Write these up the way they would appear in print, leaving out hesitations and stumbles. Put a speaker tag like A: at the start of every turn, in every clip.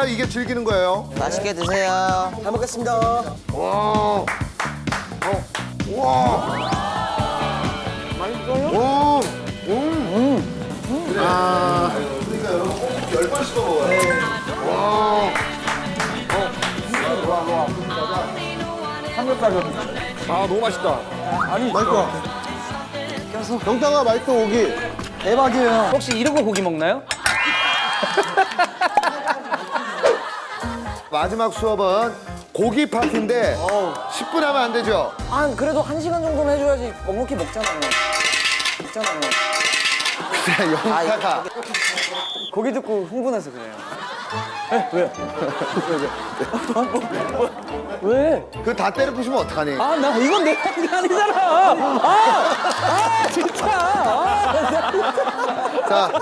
A: 해야 이게 즐기는 거예요.
B: 맛있게 드세요.
C: 잘 먹겠습니다.
A: 와. 와. 맛있어요? 오. 아. 그러니까 여러분 꼭 10번씩 더 먹어요. 와.
C: 아 너무 맛있다. 아니
A: 맛있다.
C: 병따가 맛있어 고기. 대박이에요.
B: 혹시 이런 거 고기 먹나요?
A: 마지막 수업은 고기 파티인데 10분 하면 안 되죠?
B: 아 그래도 1시간 정도는 해줘야지 넉넉히 먹잖아요.
A: 그냥 영타가
B: 고기 듣고 흥분해서 그래요. 왜?
A: 그 다 때려 부시면 어떡하니?
B: 아 나 이건 내 한 게 아니잖아. 아 진짜.
A: 자.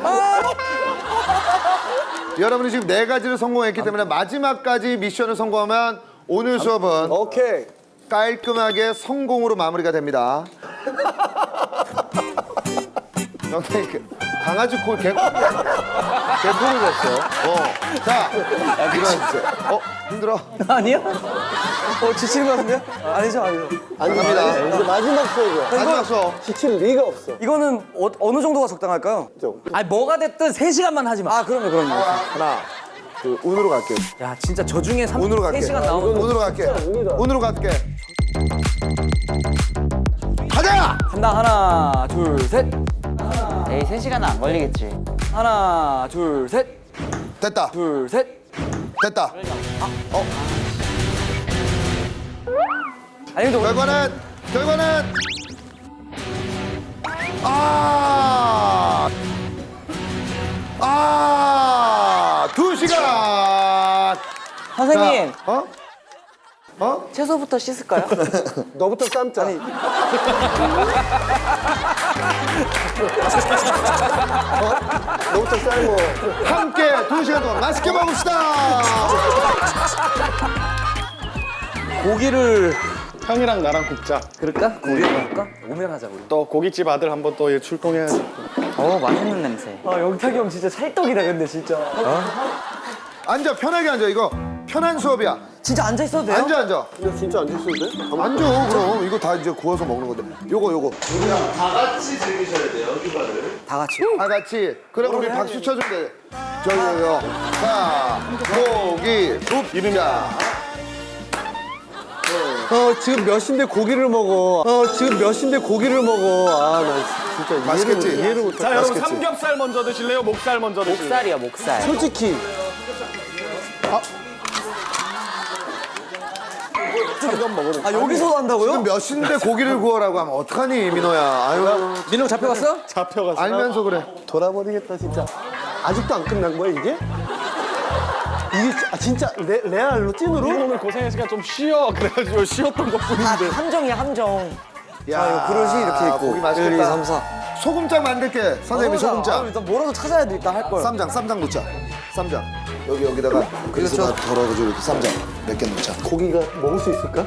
A: 여러분이 지금 4가지를 성공했기 때문에 마지막까지 미션을 성공하면 오늘 수업은
C: 오케이.
A: 깔끔하게 성공으로 마무리가 됩니다. 영탁이 강아지 코 개코를 했어. 자, 일어나주세요. 힘들어?
B: 아니요? 지치는 거 같은데요? 아니죠.
A: 갑니다.
C: 이제 마지막 수업이야.
A: 마지막 수업.
C: 지칠 리가 없어.
B: 이거는 어느 정도가 적당할까요? 아니 뭐가 됐든 3시간만 하지 마. 아 그럼요.
A: 하나, 둘, 운으로 갈게.
B: 야 진짜 저 중에
A: 운으로 갈게.
B: 3시간 나오면
A: 운으로 갈게. 운으로 갈게. 가자!
B: 간다. 하나 둘 셋.
D: 에이 3시간은 안 걸리겠지.
B: 하나 둘 셋.
A: 됐다.
B: 둘 셋.
A: 됐다.
B: 아니 근데 오늘
A: 결과는 아, 2시간.
B: 선생님
A: 어?
B: 채소부터 씻을까요?
C: 너부터 삶자. 너부터 삶어.
A: 함께 2시간 동안 맛있게 먹읍시다.
B: 고기를
E: 형이랑 나랑 굽자.
B: 그럴까? 고기를 먹을까? 오면하자 우리.
E: 또 고깃집 아들 한번 또 출동해야지.
D: 맛있는 냄새.
B: 아 영탁이 형 진짜 찰떡이다 근데 진짜.
A: 앉아, 편하게 앉아. 이거 편한 수업이야.
B: 진짜 앉아 있어도 돼요?
A: 앉아.
C: 근데 진짜 안 됐을 때?
A: 앉아. 그럼 이거 다 이제 구워서 먹는 건데. 요거.
B: 다 같이.
A: 다 같이. 그럼 우리 박수 쳐주면 돼. 저기요. 자, 고기 굽자.
C: 지금 몇 시인데 고기를 먹어. 아, 나 진짜
A: 맛있겠지?
C: 이해를 못해.
E: 자 여러분 삼겹살 먼저 드실래요? 목살 먼저 드실래요?
D: 목살이야 목살.
C: 솔직히
B: 아 여기서도 한다고요?
A: 지금 몇 시인데 고기를 구워라고 하면 어떡하니, 민호야. 아유,
B: 민호 잡혀갔어?
E: 잡혀갔어.
A: 알면서 그래.
C: 돌아버리겠다 진짜. 아직도 안 끝난 거야 이게? 이게 진짜 레알로 찐으로?
E: 오늘 고생했으니까 좀 쉬어. 그래가지고 쉬었던 것뿐인데.
B: 함정이야 함정.
A: 야,
B: 그릇이 이렇게 있고
A: 고기 맛있겠다.
B: 1, 2, 3, 4.
A: 소금장 만들게. 선생님이 소금장.
B: 일단 뭐라도 찾아야 돼 일단 할 걸.
A: 쌈장 넣자. 쌈장. 여기다가 그래서 다 덜어가지고 이렇게 쌈장 몇 개 넣자.
C: 고기가 먹을 수 있을까?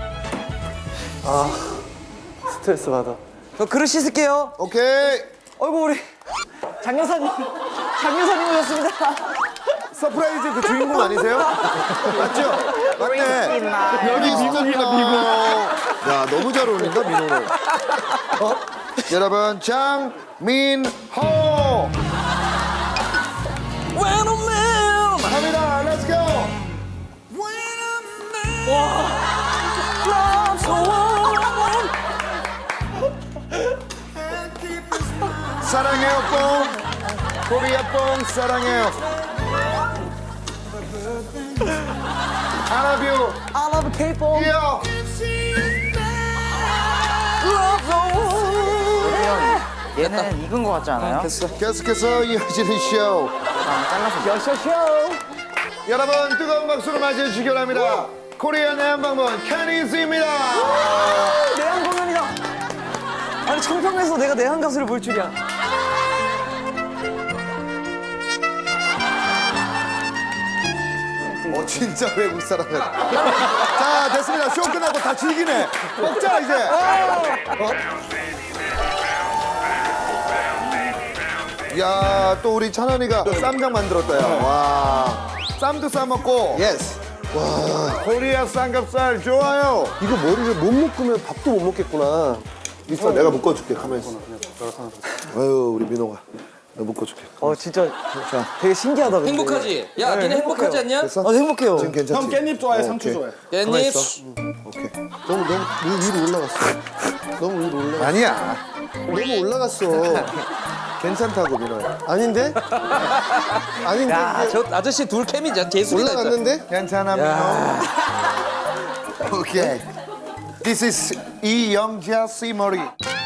C: 아 스트레스 받아.
B: 저 그릇 씻을게요.
A: 오케이.
B: 어이구 우리 장 여사님 오셨습니다.
A: 서프라이즈 그 주인공 아니세요? 맞죠? 맞네.
E: 여기 미국이야 미국.
A: 야, 너무 잘 어울린다, 민호는. 여러분, 장민호.
B: When a man
A: 갑니다. 렛츠고.
B: loves a woman.
A: 사랑해요, 뽕. 코리아 뽕, 사랑해요. I love you.
B: I love K-pop.
A: 요.
B: Loves a woman.
D: 얘는 익은 거 같지 않아요?
A: 계속해서 이어지는 쇼.
B: 쇼쇼쇼.
A: 여러분, 뜨거운 박수로 맞이해 주시기 바랍니다. 코리아 내한방문 캐니스입니다.
B: 내한 공연이다. 아니 청평에서 내가 내한 가수를 볼 줄이야.
A: 진짜 외국 사람 같아. 자, 됐습니다. 쇼 끝나고 다 즐기네. 먹자, 이제. 야, 또 우리 찬원이가 또 쌈장 만들었다, 야. 와. 쌈도 싸먹고.
C: 예스.
A: 코리아 삼겹살 좋아요.
C: 이거 머리를 못 묶으면 밥도 못 먹겠구나.
A: 있어, 내가 묶어줄게. 가만히 있어. 아유, 우리 민호가. 내가 묶어줄게.
B: 진짜 되게 신기하다. 근데.
F: 행복하지? 야, 니네 행복하지 않냐?
A: 됐어?
B: 행복해요.
A: 지금 괜찮지?
E: 형 깻잎 좋아해,
A: 오케이.
E: 상추 좋아해.
F: 깻잎.
A: 오케이.
C: 너무 위로 올라갔어. 너무 위로 올라갔어.
A: 아니야.
C: 너무 올라갔어.
A: 괜찮다고, 민호야.
C: 아닌데? 아닌데?
F: 야,
C: 이게
F: 저 아저씨 둘 케미 제술이다. 진짜.
C: 올라갔는데?
A: 괜찮아, 민호. 오케이. This is 이영자 씨머리.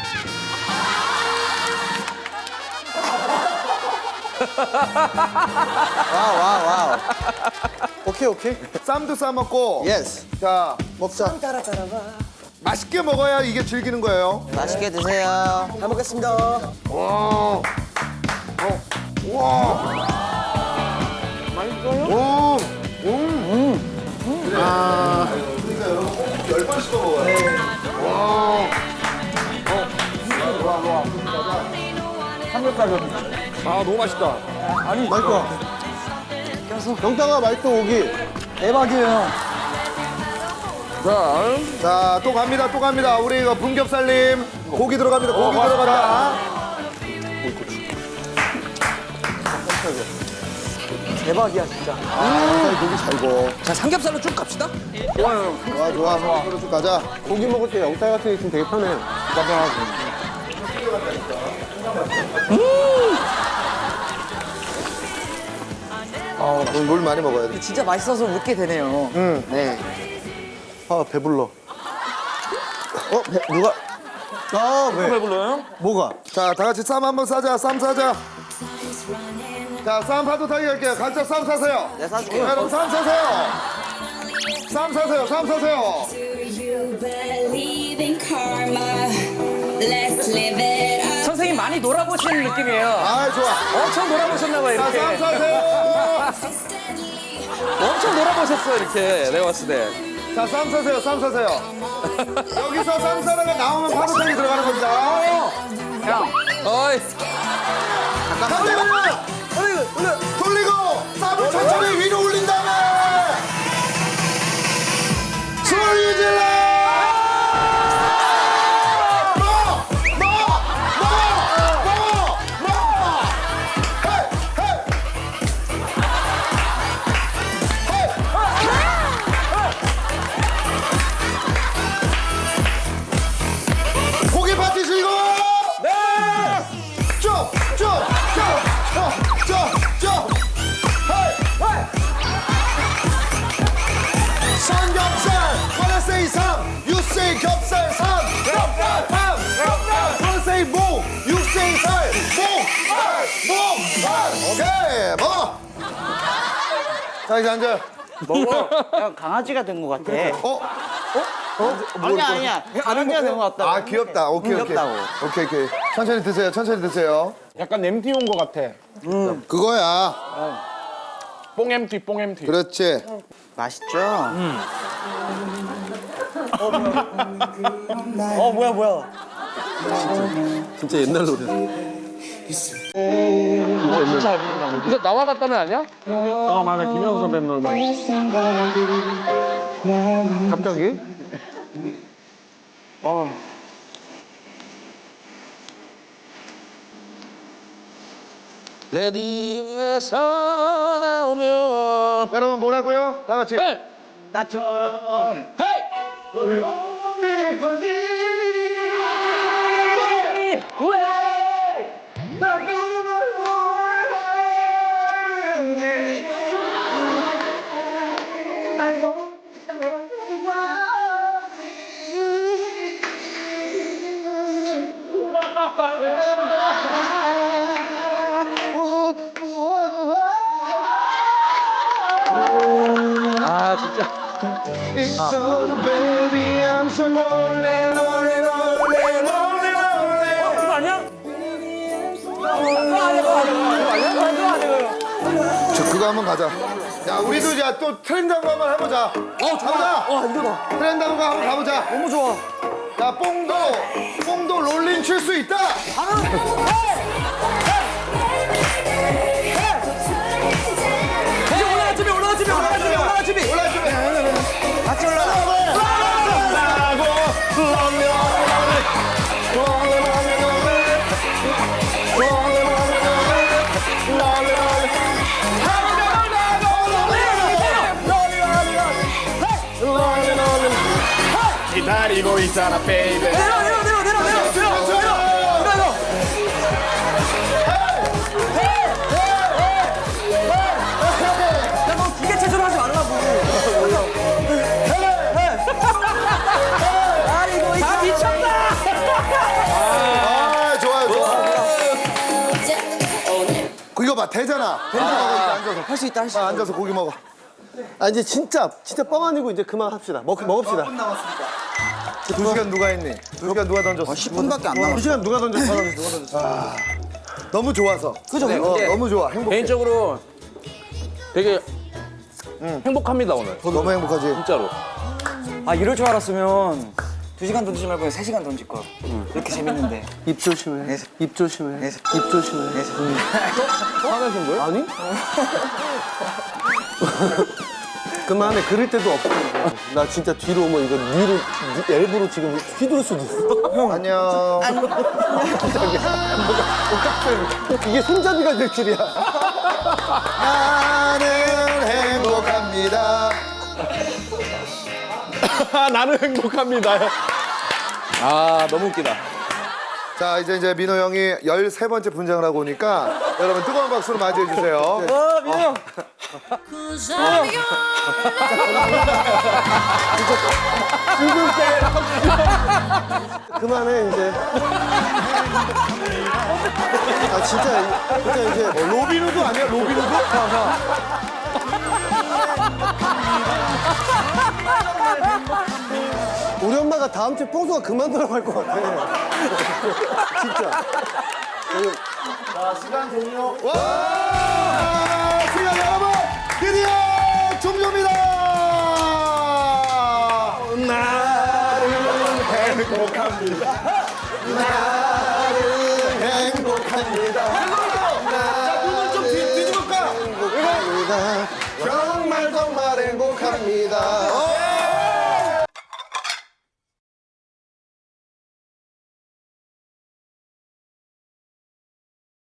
C: 와우. 오케이.
A: 쌈도 싸먹고.
C: 예스.
A: 자,
C: 먹자.
A: 맛있게 먹어야 이게 즐기는 거예요.
D: 맛있게 드세요.
B: 잘 먹겠습니다.
A: 와. 맛있어요? 그러니까 여러분 꼭 10번씩 더 먹어요.
E: 아, 너무 맛있다.
C: 맛있어. 영탁아 맛있어 고기.
B: 대박이에요.
A: 자, 또 갑니다. 우리 이거 분겹살님. 고기 들어갑니다. 고기 들어간다.
B: 대박이야 진짜.
A: 고기 잘 구워.
F: 자, 삼겹살로 쭉 갑시다.
A: 좋아. 서로 쭉 가자.
C: 고기 먹을 때 영탁 같은 게 있으면 되게 편해.
A: 물 많이 먹어야 돼.
B: 진짜 맛있어서 웃게 되네요.
D: 네.
C: 아 배불러. 누가? 왜?
E: 배불러요?
C: 뭐가?
A: 자, 다 같이 쌈 한번 싸자. 쌈 사자. 자, 쌈 파도 타기 갈게요. 각자 쌈 사세요.
D: 내가 사줄게요.
A: 여러분 쌈 사세요. 쌈 사세요.
G: Do you believe in karma? Let's live it up.
F: 선생님 많이 놀아보시는 느낌이에요.
A: 아, 좋아.
F: 엄청 놀아보셨나봐요,
A: 자,
F: 이렇게.
A: 쌈 사세요.
F: 엄청 놀아보셨어, 이렇게. 내가 봤을 때.
A: 자, 쌈 사세요. 여기서 쌈 사다가 나오면 파도탕이 들어가는 겁니다.
F: 어이.
A: 돌리고 쌈을 천천히 위로 올린 다음에 소리 질러! 고기 받으시고 네! 쭉! 삼겹살! Wanna say 삼! You say 겹살 삼! 겹살 삼! Wanna say 목! You say 살! 목! 오케이! 먹어! 자, 이제 앉아요.
D: 야, 강아지가 된 것 같아.
A: 뭐
D: 아니야. 강아지가 된 것 같다.
A: 아, 귀엽다. 오케이.
D: 귀엽다고.
A: 오케이. 천천히 드세요.
E: 약간 MT 온 것 같아.
A: 그거야.
E: 뽕 MT.
A: 그렇지.
D: 맛있죠?
B: 뭐야.
C: 진짜 옛날 노래.
E: 이거 나와 같다는 아니야? 아, 맞아. 김영수 선배님 노래.
C: 갑자기?
F: 레디에서 나오면.
A: 여러분 뭐라고요? 다 같이.
F: 나처럼. 헤이! 아, 진짜. 그거 아니야?
A: 저 그거 한번 가자. 야, 우리도 이제 또 트렌드 한번 해보자. 가보자.
B: 이거다.
A: 트렌드 한번 가보자.
B: 너무 좋아.
A: 자, 뽕도 롤링 칠 수 있다.
B: 이제 올라가, 집에 올라가.
E: 기다리고 있잖아, 베이비.
B: 내려. 야, 너 기계 체조를 하지 말라고. 아이고, 다 미쳤다.
A: 아, 좋아요. 이거 봐, 되잖아. 돼지 먹어, 이제 앉아서.
B: 할 수 있다, 할 수 있다.
A: 앉아서 고기 먹어.
C: 아 이제 진짜 뻥 아니고 이제 그만합시다. 먹읍시다.
A: 2시간 누가 했니? 2시간 누가 던졌어?
D: 10분밖에 안
C: 두
D: 남았어.
C: 시간 누가 던졌어?
A: 너무 좋아서.
B: 그죠?
A: 너무 좋아. 행복해.
E: 개인적으로 되게 행복합니다, 오늘.
A: 너무 행복하지?
E: 진짜로.
B: 아, 이럴 줄 알았으면 2시간 던지지 말고 3시간 던질 걸. 이렇게 재밌는데.
C: 입 조심해. 입 조심해. 입 조심해.
E: 화내신 거예요?
C: 아니? 그만해. 그럴 때도 없고. 나 진짜 뒤로 오면 이거 위로 일부러 지금 휘두를 수도 있어.
A: 안녕.
C: 이게 손잡이가 될 줄이야.
A: 나는 행복합니다.
E: 나는 행복합니다. 아, 너무 웃기다.
A: 자, 이제 민호 형이 13번째 분장을 하고 오니까 여러분 뜨거운 박수로 맞이해 주세요.
B: 민호 형.
C: 그만해 이제. 아 진짜 이제
A: 로빈후드 아니야? 로빈후드?
C: 우리 엄마가 다음 주에 뽕수가 그만두라고 할 것 같아. 진짜.
A: 와! 시간 여러분 드디어 종료입니다. 나는 행복합니다. 나는 행복합니다. 자, 눈을 좀 뒤집을까? 정말 행복합니다.